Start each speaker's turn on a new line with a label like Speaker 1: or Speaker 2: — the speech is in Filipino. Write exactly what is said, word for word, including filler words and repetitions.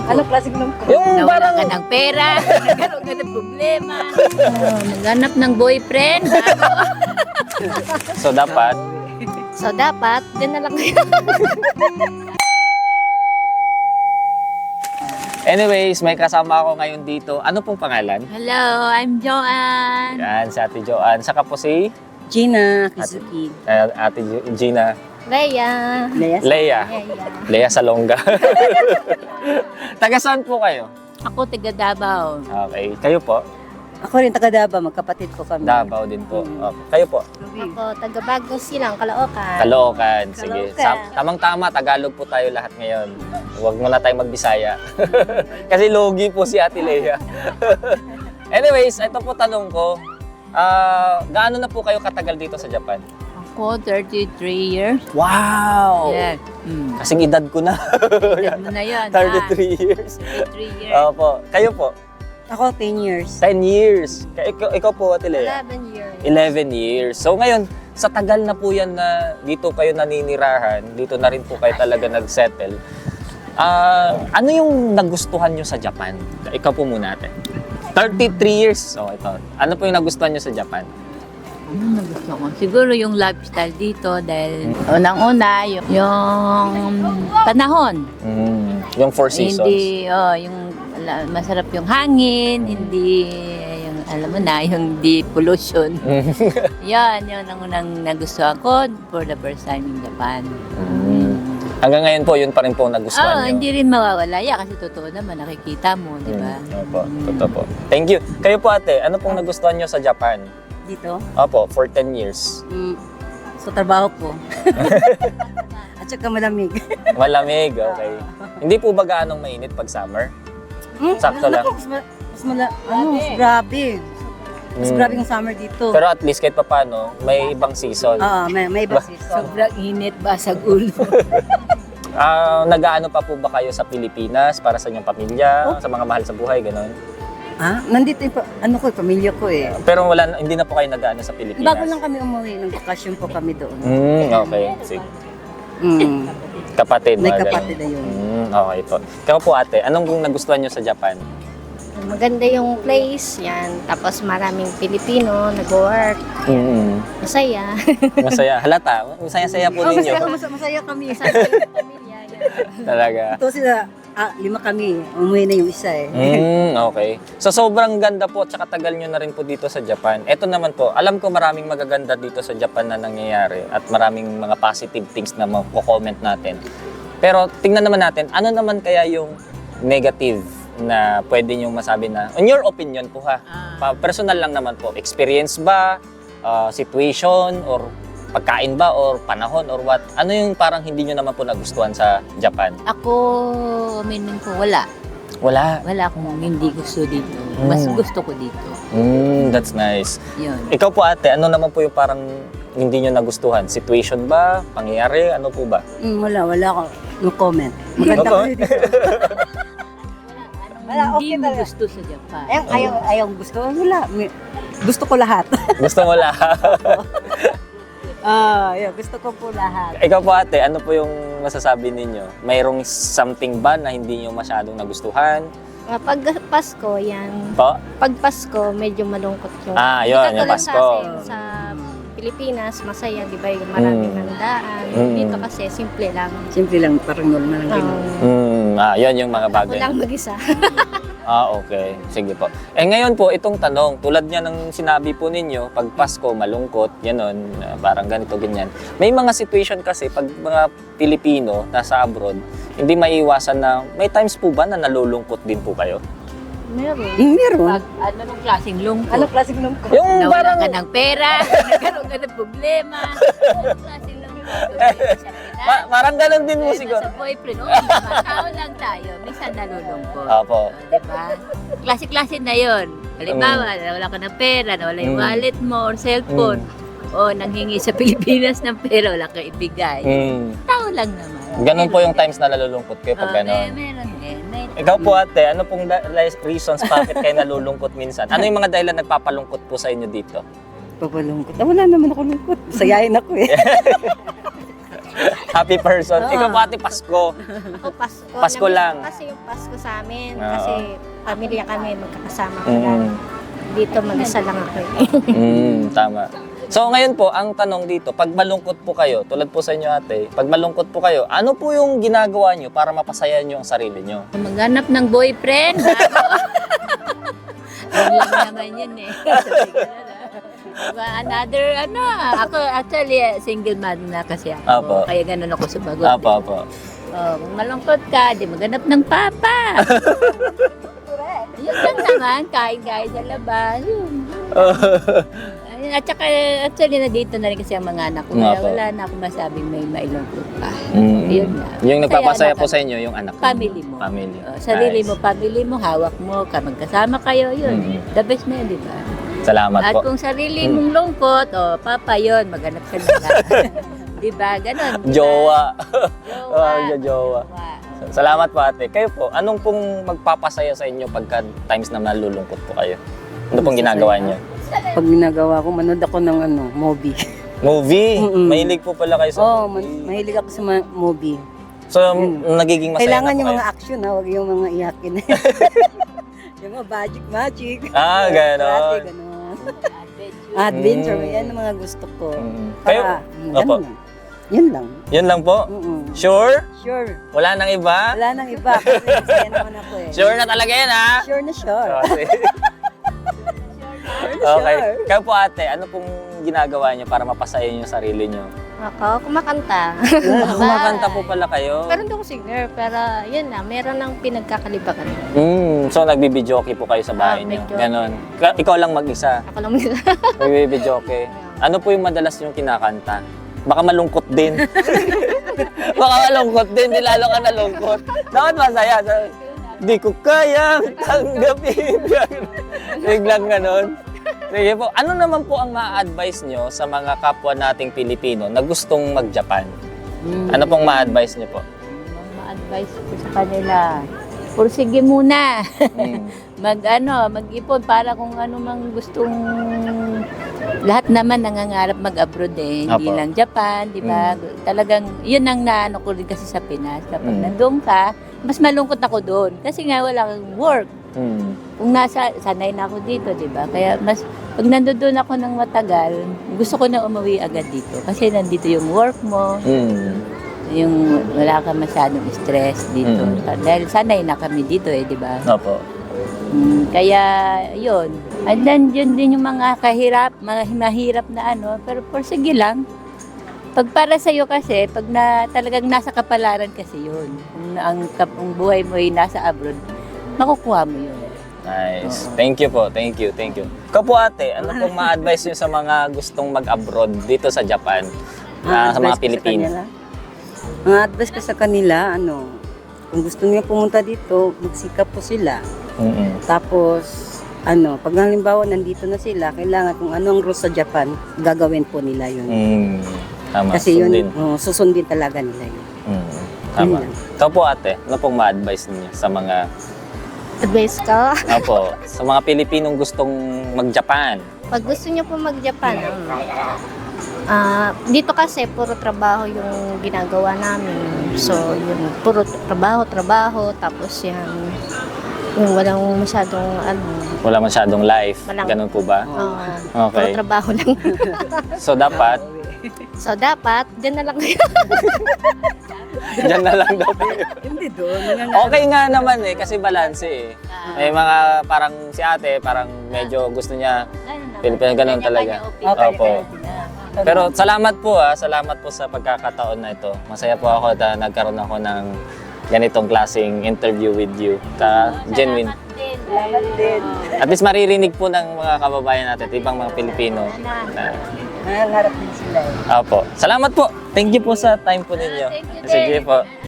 Speaker 1: Anong klaseng lungkot?
Speaker 2: Yung
Speaker 3: Nawala
Speaker 2: parang,
Speaker 3: ka ng pera, nagkaroon ka ng problema, oh, naghanap ng boyfriend.
Speaker 2: so dapat,
Speaker 1: So, dapat, din na lang kayo.
Speaker 2: anyways, may kasama ako ngayon dito. Ano pong pangalan?
Speaker 3: Hello, I'm Joanne.
Speaker 2: Yan, si Ate Joanne. Saka po si
Speaker 1: Gina Kizuki.
Speaker 2: uh, Ate Gi- Gina
Speaker 1: Leia.
Speaker 2: Leia.
Speaker 1: Leia.
Speaker 2: Leia Salonga. Taga saan po kayo?
Speaker 3: Ako taga Davao.
Speaker 2: Okay. Kayo po?
Speaker 1: Ako rin taga Davao, magkapatid ko kami.
Speaker 2: Davao din po. Okay. Kayo po?
Speaker 1: Ako, taga Bagong Silang, Caloocan.
Speaker 2: Caloocan. Sige.
Speaker 1: Caloocan.
Speaker 2: Sa- tamang-tama, Tagalog po tayo lahat ngayon. Huwag muna tayong magbisaya. Kasi logi po si Ate Leia. Anyways, ito po tanong ko. Ah, gaano na po kayo katagal dito sa Japan?
Speaker 3: Ako, thirty-three years.
Speaker 2: Wow!
Speaker 3: Yes. Hmm.
Speaker 2: Kasing edad ko na.
Speaker 3: Edad mo na yun.
Speaker 2: thirty-three years.
Speaker 3: thirty-three years.
Speaker 2: Opo. Kayo po?
Speaker 1: Ako, ten years.
Speaker 2: ten years. Ka- Ikaw, ikaw po, Ate Leia?
Speaker 1: eleven years.
Speaker 2: eleven years. So ngayon, sa tagal na po yan na dito kayo naninirahan, dito na rin po kayo talaga nag-settle. Ah, ano yung nagustuhan nyo sa Japan? Ikaw po muna ate. thirty-three years. So ito. Ano po yung nagustuhan nyo sa Japan?
Speaker 3: Ano gusto ko? Siguro yung lifestyle dito dahil unang-una yung, yung panahon.
Speaker 2: Mm, yung Four Seasons.
Speaker 3: Hindi, oh, yung ala- masarap yung hangin, hindi yung alam mo na, yung di pollution. Yan, yun ang unang nagustuhan ko for the first time in Japan.
Speaker 2: Mm. Hanggang ngayon po, yun pa rin po ang nagustuhan
Speaker 3: Ah,
Speaker 2: nyo.
Speaker 3: hindi rin mawawala yan kasi totoo naman, nakikita mo, di ba?
Speaker 2: Mm, opo, totoo po. Thank you. Kayo po ate, ano pong nagustuhan nyo sa Japan?
Speaker 1: Dito?
Speaker 2: Opo, for ten years.
Speaker 1: Mm, sa trabaho ko. At saka malamig.
Speaker 2: Malamig, okay. Hindi po ba gaanong mainit pag summer?
Speaker 1: Hmm?
Speaker 2: Sakto lang.
Speaker 1: Naku, mas, ma- mas mala... Ano, mas grabe. Mas
Speaker 2: Mm.
Speaker 1: grabe yung summer dito.
Speaker 2: Pero at least kahit paano, may ibang season.
Speaker 1: Oo, may, may iba season.
Speaker 3: Sobrang init, basag ulo.
Speaker 2: Ah, nag-aano pa po ba kayo sa Pilipinas para sa inyong pamilya,
Speaker 1: Oh.
Speaker 2: sa mga mahal sa buhay, gano'n?
Speaker 1: Ah, nandito yung, pa- ano ko, pamilya ko eh.
Speaker 2: Pero wala, na- hindi na po kayo nag-aano sa Pilipinas?
Speaker 1: Bago lang kami umuwi, ng bakasyon po kami doon.
Speaker 2: Mm, okay. Sige.
Speaker 1: Mm.
Speaker 2: Kapatid,
Speaker 1: May
Speaker 2: mga
Speaker 1: kapatid
Speaker 2: ganun.
Speaker 1: na yun.
Speaker 2: Mm, okay po. Kaya po ate, anong nagustuhan nyo sa Japan?
Speaker 4: Maganda yung place, yan. Tapos maraming Pilipino, nag-work,
Speaker 2: Mm,
Speaker 4: masaya.
Speaker 2: masaya. Halata, masaya-saya po
Speaker 1: Oh,
Speaker 2: ninyo.
Speaker 1: masaya, masaya, masaya kami.
Speaker 4: Masaya yung pamilya, yan.
Speaker 2: Talaga.
Speaker 1: Ito sila, ah, lima kami. Umuwi na yung isa eh.
Speaker 2: Mm, okay. So sobrang ganda po at saka tagal nyo na rin po dito sa Japan. Ito naman po, alam ko maraming magaganda dito sa Japan na nangyayari at maraming mga positive things na mako-comment natin. Pero tingnan naman natin, ano naman kaya yung negative na pwede nyo masabi na, in your opinion po ha, pa- personal lang naman po, experience ba, ah, situation, or pagkain ba, or panahon, or what? Ano yung parang hindi nyo naman po nagustuhan sa Japan?
Speaker 3: Ako, aminin ko, wala.
Speaker 2: Wala.
Speaker 3: Wala akong hindi gusto dito. Mas
Speaker 2: Mm.
Speaker 3: gusto ko dito.
Speaker 2: Mm, that's nice.
Speaker 3: Yun.
Speaker 2: Ikaw po ate, ano naman po yung parang hindi nyo nagustuhan? Situation ba? Pangyayari? Ano po ba?
Speaker 1: Mm, wala, wala ako. No comment. Maganda
Speaker 2: No
Speaker 1: kami dito. Wala,
Speaker 3: Hindi
Speaker 1: okay
Speaker 3: mo
Speaker 1: talaga.
Speaker 3: gusto sa Japan.
Speaker 1: Ayaw, ayaw, ayaw gusto. Wala. May- Gusto ko lahat.
Speaker 2: Gusto mo lahat?
Speaker 1: Ah, yeah, gusto ko po lahat.
Speaker 2: Ikaw po ate, ano po yung masasabi ninyo? Mayroong something ba na hindi nyo masyadong nagustuhan?
Speaker 4: Ah, Pag Pasko, yan.
Speaker 2: Po?
Speaker 4: Pag Pasko, medyo malungkot yung...
Speaker 2: Ah,
Speaker 4: Hindi
Speaker 2: yun,
Speaker 4: katulad
Speaker 2: yung Pasko.
Speaker 4: Sa, atin, sa Pilipinas, masaya, di ba? Yung maraming
Speaker 2: Mm.
Speaker 4: handaan.
Speaker 2: Mm.
Speaker 4: Dito kasi, simple lang.
Speaker 1: Simple lang, parang normal lang ganun.
Speaker 4: Um,
Speaker 2: Hmm, ah, yun yung mga
Speaker 4: ako
Speaker 2: bagay.
Speaker 4: lang mag-isa.
Speaker 2: Ah, okay. Sige po. Eh ngayon po, itong tanong, tulad niya ng sinabi po ninyo, pag Pasko, malungkot, yanon, ah, parang ganito, ganyan. May mga situation kasi, pag mga Pilipino nasa abroad, hindi maiiwasan na, may times po ba na nalulungkot din po kayo?
Speaker 4: Meron.
Speaker 1: Mm, meron.
Speaker 3: Pag ano nung klaseng lungkot.
Speaker 1: Ano klaseng lungkot?
Speaker 2: Yung
Speaker 3: Nawala
Speaker 2: parang,
Speaker 3: ka ng pera, nagkaroon ka ng problema. Anong klaseng lungkot?
Speaker 2: pa- parang ganun din mo
Speaker 3: Dahil
Speaker 2: siguro.
Speaker 3: Sa boyfriend, oh, diba? Tao lang tayo, minsan nalulungkot.
Speaker 2: Opo.
Speaker 3: Oh, diba? Klase-klase na yun. Halimbawa, nawala ka ng pera, nawala yung
Speaker 2: Mm.
Speaker 3: wallet mo or cellphone. O nanghingi sa Pilipinas ng pera, wala kang ibigay.
Speaker 2: Hmm.
Speaker 3: Tao lang naman.
Speaker 2: Ganun po yung
Speaker 3: Meron
Speaker 2: times na nalulungkot kayo
Speaker 3: din.
Speaker 2: pag
Speaker 3: Oh,
Speaker 2: gano'n.
Speaker 3: eh, meron din. May,
Speaker 2: Ikaw po ate, ano pong da- reasons bakit kayo nalulungkot minsan? Ano yung mga dahilan nagpapalungkot po sa inyo dito?
Speaker 1: Papalungkot. Ah, wala naman ako lungkot. Sayahin ako eh.
Speaker 2: Happy person.
Speaker 1: Oo.
Speaker 2: Ikaw po ate, Pasko.
Speaker 4: Ako, Pasko.
Speaker 2: Pasko
Speaker 4: Namiss
Speaker 2: lang.
Speaker 4: ko kasi yung Pasko sa amin.
Speaker 2: Oo.
Speaker 4: Kasi pamilya kami, magkakasama ko
Speaker 2: Mm.
Speaker 4: lang. Dito, mag-isa lang ako. eh.
Speaker 2: Mm, tama. So ngayon po, ang tanong dito, pag malungkot po kayo, tulad po sa inyo ate, pag malungkot po kayo, ano po yung ginagawa nyo para mapasaya nyo ang sarili nyo?
Speaker 3: Maghanap ng boyfriend. bago. Yun lang naman yun eh. Sabi ko na, diba, another, ano, ako actually eh, single mother na kasi ako.
Speaker 2: Apo.
Speaker 3: Kaya ganun ako sumagot.
Speaker 2: Apo, apo.
Speaker 3: Oh, kung malungkot ka, di maghanap ng papa. Yun lang naman, kain-kain sa labas. Yun. Ayun, At saka, actually, na-date na rin kasi ang mga anak ko.
Speaker 2: Nga
Speaker 3: Kaya
Speaker 2: po.
Speaker 3: wala na akong masabing may mailungkot pa.
Speaker 2: Mm.
Speaker 3: Yun na.
Speaker 2: Yung nagpapasaya
Speaker 3: Masaya
Speaker 2: po
Speaker 3: na
Speaker 2: sa inyo, yung anak mo.
Speaker 3: Family mo.
Speaker 2: Family.
Speaker 3: Oh, sarili
Speaker 2: Nice.
Speaker 3: mo, family mo, hawak mo, ka magkasama kayo, yun.
Speaker 2: Mhm.
Speaker 3: The best na yun, di ba?
Speaker 2: Salamat
Speaker 3: At
Speaker 2: po.
Speaker 3: kung sarili
Speaker 2: Mm.
Speaker 3: mong lungkot, oh, papa yun, maghanap ka na. di ba? Ganon. di ba?
Speaker 2: Jowa.
Speaker 3: Jowa.
Speaker 2: Oh, jowa.
Speaker 3: Jowa.
Speaker 2: Salamat po ate. Kayo po, anong pong magpapasaya sa inyo pagka times na nalulungkot po kayo? Ano pong ginagawa niyo?
Speaker 1: Pag ginagawa ko, manood ako ng ano, movie.
Speaker 2: Movie?
Speaker 1: Mm-mm.
Speaker 2: Mahilig po pala kayo sa
Speaker 1: Oo, oh,
Speaker 2: movie.
Speaker 1: mahilig ako sa mga movie.
Speaker 2: So, nagiging masaya
Speaker 1: Kailangan
Speaker 2: na po
Speaker 1: yung
Speaker 2: kayo?
Speaker 1: mga action ha, huwag yung mga iyakin. yung mga magic magic.
Speaker 2: Ah, ganon.
Speaker 1: Karate, ganon. Adventure,
Speaker 2: Mm.
Speaker 1: yan ang mga gusto ko.
Speaker 2: Mm. Kayo?
Speaker 1: Para, mm,
Speaker 2: Opo.
Speaker 1: ganun lang. Yun lang.
Speaker 2: Yun lang po?
Speaker 1: Mm-mm.
Speaker 2: Sure?
Speaker 1: Sure.
Speaker 2: Wala nang iba?
Speaker 1: Wala nang iba kasi masaya naman ako eh.
Speaker 2: Sure na talaga yan ha?
Speaker 1: Sure na sure.
Speaker 2: Okay.
Speaker 1: Sure na
Speaker 2: Okay.
Speaker 1: sure.
Speaker 2: Kayo po ate, ano pong ginagawa niyo para mapasaya niyo sarili niyo?
Speaker 4: Ako, kumakanta.
Speaker 2: Ah, kumakanta po pala kayo.
Speaker 4: pero hindi ako singer, pero yun na, meron ng pinagkakalibakan.
Speaker 2: Mm, so nagbibidyoke po kayo sa bahay
Speaker 4: Ah,
Speaker 2: niyo?
Speaker 4: medyo.
Speaker 2: Ganon. Ka- ikaw lang mag-isa?
Speaker 4: Ako lang mag-
Speaker 2: Nagbibidyoke. Ano po yung madalas yung kinakanta? Baka malungkot din. Baka malungkot din, di lalo ka nalungkot. Dapat masaya. Sa- Di ko kayang tanggapin. Biglang ganon. Sige po, ano naman po ang ma-advise nyo sa mga kapwa nating Pilipino na gustong mag-Japan?
Speaker 3: Mm.
Speaker 2: Ano pong ma-advise nyo po?
Speaker 3: Ang ma-advise ko sa kanila, pursige muna.
Speaker 2: Mm.
Speaker 3: mag ano, mag-ipon para kung ano mang gustong lahat naman nangangarap mag-abroad eh, hindi
Speaker 2: Apo.
Speaker 3: lang Japan, di ba? Talagang yun ang naano ko rin kasi sa Pinas. Kapag
Speaker 2: Mm.
Speaker 3: nandun ka, mas malungkot ako doon kasi nga wala kang work.
Speaker 2: Mm.
Speaker 3: Kung nasa sanay na ako dito, di ba? Kaya mas pag nandoon ako ng matagal, gusto ko na umuwi agad dito kasi nandito yung work mo,
Speaker 2: Mm.
Speaker 3: yung wala ka masyadong stress dito.
Speaker 2: Mm.
Speaker 3: Dahil sanay na kami dito eh, di ba?
Speaker 2: Opo.
Speaker 3: Mm, kaya yun. And then yun din yung mga kahirap, mga mahirap na ano, pero por sige lang. Pag para sa iyo kasi, pag na talagang nasa kapalaran kasi yun. Kung na- ang, kap- ang buhay mo ay nasa abroad, makukuha mo yun.
Speaker 2: Nice.
Speaker 3: Oo.
Speaker 2: Thank you po. Thank you. Thank you. Ikaw po ate, ano pong ma-advise nyo sa mga gustong mag-abroad dito sa Japan? Ah, sa mga
Speaker 1: Ang advice ko
Speaker 2: Pilipino?
Speaker 1: kanila, Ang advice ko sa kanila, ano, kung gusto niya pumunta dito, magsikap po sila.
Speaker 2: Mm-mm.
Speaker 1: Tapos, ano, pag halimbawa nandito na sila, kailangan kung ano ang rules sa Japan, gagawin po nila yun.
Speaker 2: Mm. Tama.
Speaker 1: Kasi yun,
Speaker 2: sundin.
Speaker 1: oh, susundin talaga nila yun.
Speaker 2: Mm. Tama.
Speaker 1: Yun lang.
Speaker 2: Ikaw po ate, ano pong ma-advise niyo sa mga
Speaker 4: Advice ko.
Speaker 2: Opo, sa mga Pilipinong gustong mag-Japan?
Speaker 4: Pag gusto niyo po mag-Japan, ah, dito kasi puro trabaho yung ginagawa namin. So, yun, puro trabaho, trabaho, tapos yan, yung walang masyadong, ano,
Speaker 2: Wala masyadong life.
Speaker 4: Walang-
Speaker 2: Ganun po ba?
Speaker 4: ah,
Speaker 2: Okay.
Speaker 4: puro trabaho lang.
Speaker 2: So dapat,
Speaker 4: so, dapat, dyan na lang kayo.
Speaker 2: dyan na lang daw kayo.
Speaker 1: Hindi doon.
Speaker 2: Okay nga naman eh, kasi balanse eh. May mga parang si ate, parang medyo gusto niya. Pilipino, ganun talaga.
Speaker 1: Okay,
Speaker 2: Opo. Pero salamat po ah, salamat po sa pagkakataon na ito. Masaya po ako na nagkaroon ako ng ganitong klaseng interview with you. Ka genuine.
Speaker 1: Salamat din.
Speaker 2: At least maririnig po ng mga kababayan natin, ibang mga Pilipino. Na,
Speaker 1: Nangangarap din sila eh.
Speaker 2: Opo. Salamat po. Thank you po sa time po ninyo.
Speaker 3: Thank you din.
Speaker 2: Sige po.